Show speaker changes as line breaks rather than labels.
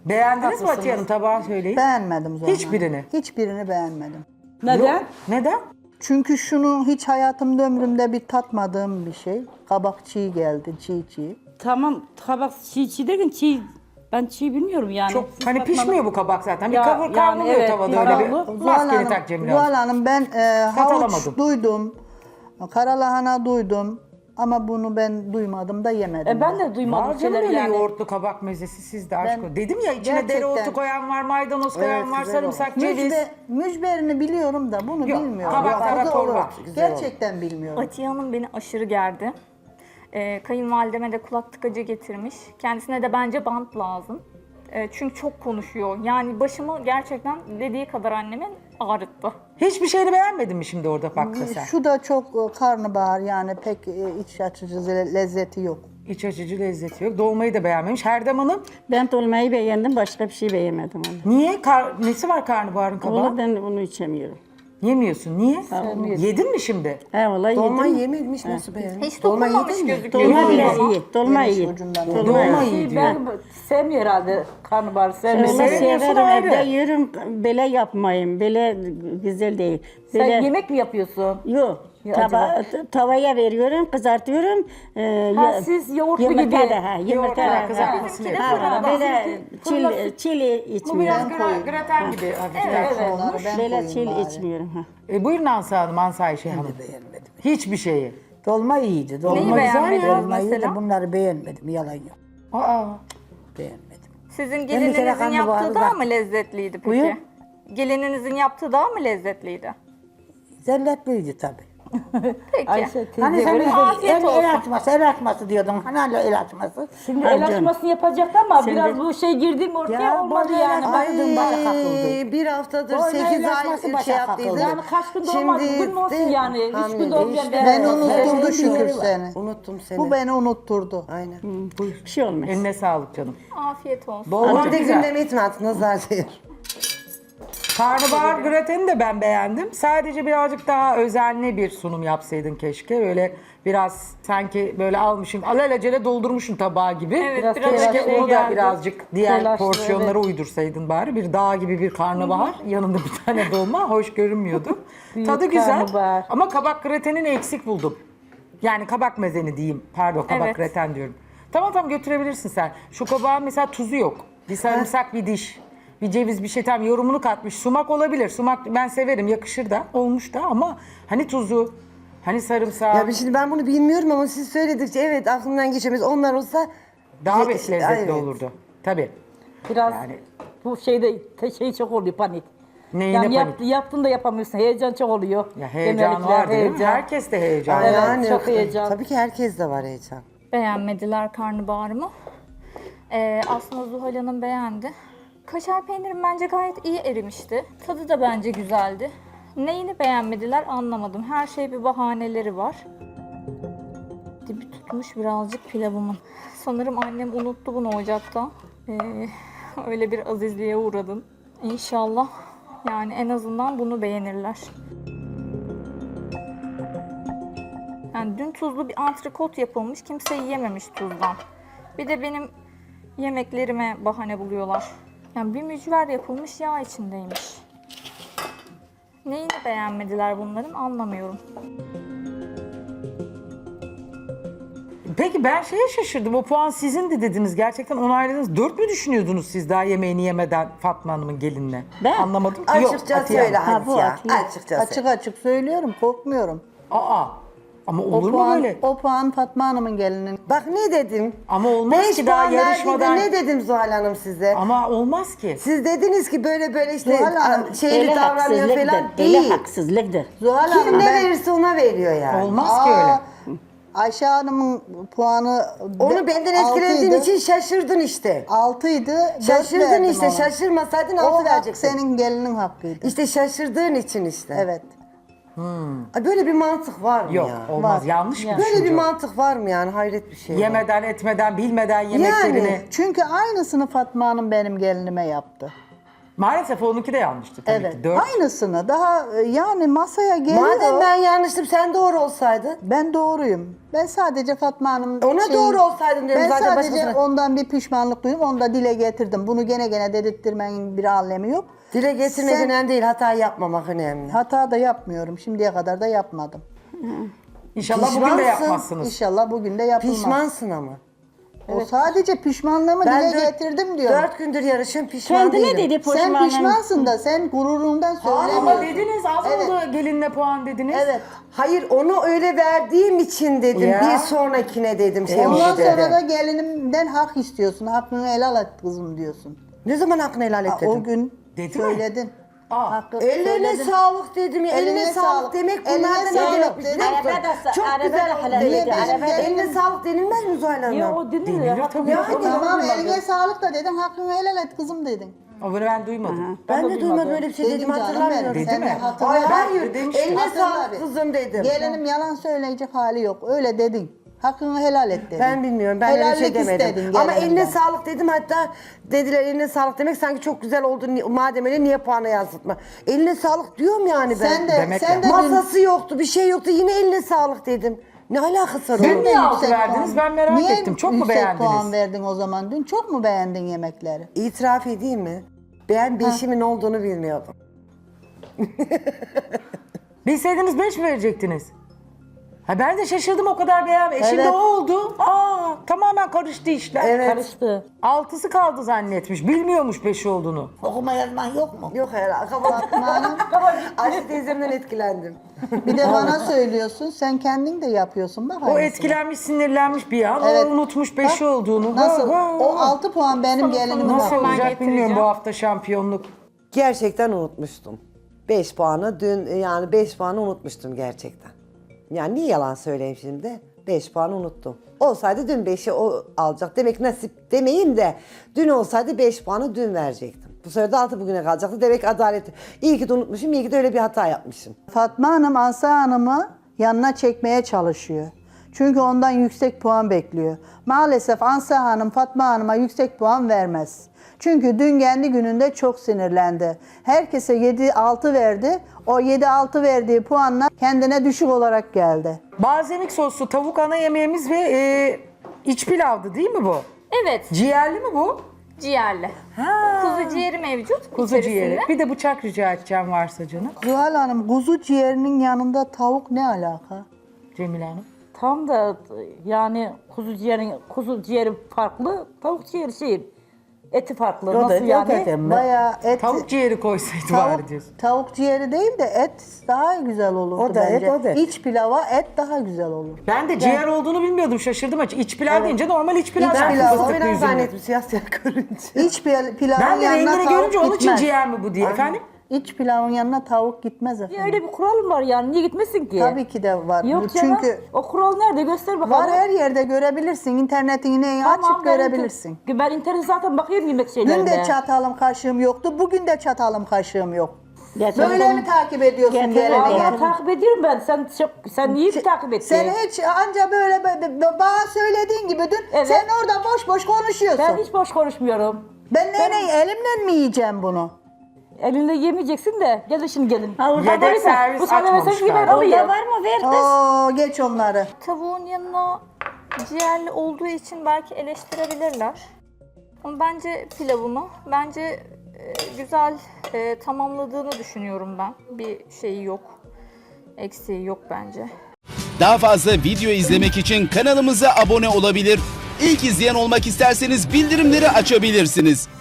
Beğendiniz mi Atiye Hanım, tabağı söyleyin.
Beğenmedim Zuhal Hanım.
Hiçbirini?
Hiçbirini beğenmedim.
Neden?
Yok. Neden?
Çünkü şunu hiç hayatımda ömrümde bir tatmadığım bir şey. Kabak çiğ geldi, çiğ.
Tamam, kabak çiğ derken ben çiğ bilmiyorum yani.
Çok
Siz
hani
bakmadın-
pişmiyor bu kabak zaten. Bir
Ya,
kavruluyor
yani evet,
tavada
bir
öyle bir.
kavrulu.
Maskeni tak Cemile Hanım.
Zuhal Hanım ben havuç
alamadım.
duydum. Karalahana duydum. Ama bunu ben duymadım da yemedim.
Ben de duymadım
Var canım
şeyler
öyle
yani.
yoğurtlu kabak mezesi sizde aşk
Ben-
o. Dedim ya içine
Gerçekten.
dereotu koyan var, maydanoz koyan var, sarımsak, ceviz.
Mücberini biliyorum da bunu
Yok,
bilmiyorum.
kabaklara
O da
torba.
olur.
Güzel
Gerçekten bilmiyorum.
Atiye Hanım beni aşırı gerdi. Kayınvalideme de kulak tıkacı getirmiş. Kendisine de bence bant lazım. Çünkü çok konuşuyor. Yani başımı gerçekten dediği kadar annemin ağrıttı.
Hiçbir şeyini beğenmedin mi şimdi orada bakta sen?
Şu da çok karnabahar yani pek iç açıcı lezzeti yok.
İç açıcı lezzeti yok. Dolmayı da beğenmemiş. Herdem Hanım
Ben dolmayı beğendim, başka bir şey beğenmedim onu.
niye? Nesi var karnabaharın kabağı?
Onu ben onu içemiyorum.
Yemiyorsun. Niye? Yedin mi şimdi?
He vallahi
Dolmayı
yedim.
yememiş nasıl beğendin?
Hiç dokunmamış gözüküyor.
Dolma bile
Ama
iyi, dolma
Yemiş
iyi.
ucundan.
Dolma iyi diyor.
Ben sevmiyor herhalde karnabahar sevmiyor.
Dolma
Sevmiyorsun
severim,
ayrı.
evde yiyorum, böyle yapmayayım, böyle güzel değil.
Sen
Böyle,
yemek mi yapıyorsun?
yok,
Ya
tavaya veriyorum, kızartıyorum.
Siz yoğurtlu
yumurta
gibi.
da, yumurta
Yoğurtla
da.
kızartmasını
Bizimki de
yapıyorlar.
fırında.
Böyle çili
Bu
içmiyorum.
biraz graten gibi hafiften olmuş.
Ben
Böyle
koyayım
çil
bari.
içmiyorum. Ha.
Buyurun Ansa Hanım, Ansa Ayşe Hanım.
Beğenmedim.
Hiçbir şeyi.
Dolma iyiydi. Dolma
Neyi
güzel
beğenmediniz
ya. Dolmayı
mesela?
da bunları beğenmedim. Yalan yok.
Aa,
Beğenmedim.
Sizin
bir kere
gelininizin
karnabaharı
yaptığı daha
var.
mı lezzetliydi peki?
Buyur.
Gelininizin yaptığı daha mı lezzetliydi?
Zelletliydi tabii.
Peki.
Ayşe
Hani
teyze
sen
böyle.
Afiyet olsun.
el açması diyordun. Hani hala el açması.
Şimdi el açmasını yapacaktı ama biraz bu şey girdi mi ortaya olmadı
böyle
yani.
açmadın, başa kakıldı.
Bir haftadır
Dolma
8
ilaçması
ay
başa
şey
kakıldı.
yaptıydı.
Yani kaç gün dolmaz, bugün mü olsun yani? 3 gün dolmayan
Ben unutturdu şükür seni.
Unuttum seni.
Bu beni unutturdu.
Aynen.
Bir şey olmaz.
eline sağlık canım.
Afiyet olsun.
Dolma
Bir de
güzel.
gündeme itme nazar değil.
Karnabahar grateni de ben beğendim. Sadece birazcık daha özenli bir sunum yapsaydın keşke. Öyle biraz sanki böyle almışsın, alelacele doldurmuşsun tabağı gibi.
Evet, biraz
keşke
öyle
onu da
geldi.
birazcık diğer
Telaşlı,
porsiyonlara uydursaydın bari. Bir dağ gibi bir karnabahar, yanında bir tane dolma hoş görünmüyordu. Tadı güzel
karnabahar.
ama kabak gratenini eksik buldum. Yani kabak mezeni diyeyim. Pardon, kabak
Evet.
graten diyorum. Tamam götürebilirsin sen. Şu kabağın mesela tuzu yok. Bir sarımsak, bir diş. Bir ceviz, bir şey, tam yorumunu katmış. Sumak olabilir. Sumak ben severim, yakışır da, olmuş da ama hani tuzu, hani sarımsağı
Ya şimdi ben bunu bilmiyorum ama siz söyledikçe evet aklımdan geçemez. Onlar olsa
daha bir
Ye-
lezzetli
evet.
olurdu. Tabii.
Biraz
Yani-
bu şeyde şey çok oluyor panik.
Neyine
Yani
panik?
yaptın da yapamıyorsun. Heyecan çok oluyor.
Ya heyecan
Genellikle
var değil mi? Herkes de heyecan.
Evet,
yani
çok heyecan.
Tabii ki herkes de var heyecan.
Beğenmediler karnabaharımı. Aslında Zuhal Hanım beğendi. Kaşar peynirim bence gayet iyi erimişti. Tadı da bence güzeldi. Neyini beğenmediler anlamadım. Her şey bir bahaneleri var. Dibi tutmuş birazcık pilavımın. Sanırım annem unuttu bunu ocakta. Öyle bir azizliğe uğradım. İnşallah yani en azından bunu beğenirler. Yani dün tuzlu bir antrikot yapılmış. Kimse yiyememiş tuzdan. Bir de benim yemeklerime bahane buluyorlar. Yani bir mücver yapılmış, yağ içindeymiş. Neyini beğenmediler bunların anlamıyorum.
Peki ben şeye şaşırdım. O puan sizindi dediniz. Gerçekten onayladınız. 4 mü düşünüyordunuz siz daha yemeğini yemeden Fatma Hanım'ın gelinine?
Ben?
Anlamadım ki.
Açıkça
Atiye
söyle
Hanım.
Ha, bu
Halis ya.
Atiye.
Açıkça söyle.
Açık açık söylüyorum, korkmuyorum.
Aa. Ama olur mu böyle?
O puan Fatma Hanım'ın gelinin.
Bak ne dedim?
Ama olmaz
5
ki daha
puan
yarışmadan.
verdiğinde ne dedim Zuhal Hanım size?
Ama olmaz ki.
Siz dediniz ki böyle işte
Zuhal Hanım,
şeyli
Öyle
davranıyor
haksızlıktır,
falan
öyle
değil.
haksızlıktır.
Zuhal
Kim
Hanım
ne
ben...
verirse ona veriyor yani.
Olmaz ki öyle.
Ayşe Hanım'ın puanı...
Onu benden etkilediğin için şaşırdın işte.
6'ydı.
Şaşırdın işte. Şaşırmasaydın
O
6
hak
verecektin.
senin gelinin hakkıydı.
İşte şaşırdığın için işte.
Evet.
Ay, böyle bir mantık var mı
Yok
ya?
olmaz. Yanlış bir
Böyle bir
düşünce.
mantık var mı yani? Hayret bir şey.
Yemeden etmeden bilmeden yemeklerini.
Yani.
Çünkü aynısını Fatma Hanım benim gelinime yaptı.
Maalesef onunki de yanlıştı tabii
Evet.
ki. 4.
Aynısını daha yani masaya geliyor.
Madem ben yanlıştım sen doğru olsaydın.
Ben doğruyum. Ben sadece Fatma Hanım...
Ona doğru olsaydın diyorum
Ben
zaten
sadece
başkasına.
ondan bir pişmanlık duydum. Onu da dile getirdim. Bunu gene dedirttirmenin bir alemi yok.
Dile getirmek
Sen-
önemli değil, hata yapmamak önemli.
Hata da yapmıyorum. Şimdiye kadar da yapmadım.
İnşallah bugün de
Pişmansın.
yapmazsınız.
İnşallah bugün de yapılmaz.
Pişmansın ama.
O sadece pişmanlığımı dile getirdim diyor.
4 gündür yarışım pişman
Kendine
değilim.
dedi
Sen
pişmanım.
pişmansın da sen gururundan
Ama
söylemiyorsun.
dediniz az
Evet.
oldu gelinle puan dediniz.
Evet.
Hayır onu öyle verdiğim için dedim.
Ya.
Bir sonrakine dedim. Şey
Ondan
oldu
sonra
dedim.
da gelinimden hak istiyorsun. Hakkını helal et kızım diyorsun.
Ne zaman hakkını helal et
Ha,
dedim.
o gün
Dedi mi?
söyledin.
Aa.
Hakkı
Ellerine
söyledin.
sağlık dedim ya. Eline,
Eline
sağlık
sağlık.
demek
Eline
bunlar da ne
sağlık
demekmiş
dedim.
biliyor musun?
Arada da-
Çok
arada
güzel
da
oldu
helal
demek.
dedi, arada da-
Eline sağlık denilmez mi Zuhal Hanım?
Yo, o denilir.
Denilir
Hakkını
tabii.
yapmak
Tamam
lazım.
eline sağlık da dedim. Hakkını helal et kızım dedin.
Ama bunu ben duymadım.
Ben de
da
duymadım
duymadım.
öyle bir şey
Dedim
dedim
canım
hatırlamıyorum.
benim.
Dedi
Sen
mi?
de hatırla.
Hayır
Ben
hayır.
demiştim.
Eline
Hatırla
sağlık
bir.
kızım dedim.
Gelinim yalan söyleyecek hali yok. Öyle dedin. Hakkını helal et dedin.
Ben bilmiyorum. Ben öyle bir şey
Helallik
demedim.
istedin
Ama eline
gelinimden.
sağlık dedim. Hatta dediler eline sağlık demek sanki çok güzel oldu. Madem öyle niye puana yansıtma? Eline sağlık diyorum yani ben.
Sen de,
Demek
sen
ya.
de dün-
Masası yoktu, bir şey yoktu. Yine eline sağlık dedim. Ne alakası var
Dün
onun?
niye
Yüksek
6 verdiniz?
puan-
Ben merak
Niye
ettim. Çok mu
yüksek
beğendiniz?
puan verdin o zaman dün? Çok mu beğendin yemekleri?
İtiraf edeyim mi? Ben beşimin olduğunu bilmiyordum.
Bilseydiniz 5 mi verecektiniz? Ha ben de şaşırdım o kadar beğenmedim. Şimdi
Evet.
o oldu. Aa tamamen karıştı işler.
Evet.
Karıştı.
6'sı kaldı zannetmiş. Bilmiyormuş 5 olduğunu.
Okuma yazman yok mu?
Yok herhalde. Ayşe teyzemden etkilendim.
Bir de bana söylüyorsun. Sen kendin de yapıyorsun. Bak
O
aynısını.
etkilenmiş, sinirlenmiş bir an.
Evet.
O unutmuş 5'i
Bak,
olduğunu.
Nasıl?
Ha, ha,
O
ha.
6 puan benim gelinim.
Nasıl
Hemen
olacak
getireceğim.
bilmiyorum bu hafta şampiyonluk.
Gerçekten unutmuştum. 5 puanı dün yani 5 puanı unutmuştum gerçekten. Yani niye yalan söyleyeyim şimdi? 5 puanı unuttum. Olsaydı dün 5'i o alacak. Demek nasip demeyeyim de dün olsaydı 5 puanı dün verecektim. Bu sefer de 6 bugüne kalacaktı. Demek adalet. İyi ki de unutmuşum, iyi ki de öyle bir hata yapmışım.
Fatma Hanım Ansa Hanım'ı yanına çekmeye çalışıyor. Çünkü ondan yüksek puan bekliyor. Maalesef Ansa Hanım Fatma Hanım'a yüksek puan vermez. Çünkü dün kendi gününde çok sinirlendi. Herkese 7-6 verdi. O 7-6 verdiği puanlar kendine düşük olarak geldi.
Balzamik soslu tavuk ana yemeğimiz ve iç pilavdı değil mi bu?
Evet,
Ciğerli mi bu?
ciğerli.
Ha.
Kuzu ciğeri mevcut
Kuzu
içerisinde.
ciğeri. Bir de bıçak rica edeceğim varsa canım.
Zuhal Hanım kuzu ciğerinin yanında tavuk ne alaka?
Cemile Hanım.
Tam da yani kuzu ciğeri farklı, tavuk ciğeri eti farklı.
O da,
Nasıl
o
yani?
da deme.
Bayağı et...
Tavuk ciğeri koysaydı bari diyorsun.
Tavuk ciğeri değil de et daha güzel olurdu
O da et,
bence.
o da et.
İç pilava et daha güzel olur.
Ben de ciğer olduğunu bilmiyordum. Şaşırdım açık. İç pilav deyince normal iç pilav.
İç
zaten
pilav.
fıstıklı
Sonra ben
üzümlü.
zannettim siyah siyah görünce.
İç pilavın
Ben de
yanına
rengini
tavuk
görünce onun için
gitmez.
ciğer mi bu diye. Efendim?
İç pilavın yanına tavuk gitmez
Ya
efendim.
öyle bir kural mı var yani? Niye gitmesin ki?
Tabii ki de var.
Yok canım.
Çünkü
O kural nerede? Göster bakalım.
var her yerde görebilirsin. İnternetin yine açıp
ben
görebilirsin.
Ben internet zaten bakıyorum yemek şeylerine.
Dün de çatalım kaşığım yoktu. Bugün de çatalım kaşığım yok.
Geçen
Böyle mi takip ediyorsun
Getirin,
gelene
Vallahi
gel?
takip ediyorum ben. Sen niye takip ettin?
Sen hiç anca böyle bana söylediğin gibi dün
Evet.
sen orada boş boş konuşuyorsun.
Ben hiç boş konuşmuyorum.
Ben elimle mi yiyeceğim bunu?
Elinde yemeyeceksin de. Gelin şimdi gelin.
Yedek servis
Bu sana
açmamış
versen gibi ben
galiba.
alayım.
Orada var mı ver kız?
Oo geç onları.
Tavuğun yanına ciğerli olduğu için belki eleştirebilirler. Ama bence pilavımı, güzel tamamladığını düşünüyorum ben. Bir şeyi yok, eksiği yok bence.
Daha fazla video izlemek için kanalımıza abone olabilir. İlk izleyen olmak isterseniz bildirimleri açabilirsiniz.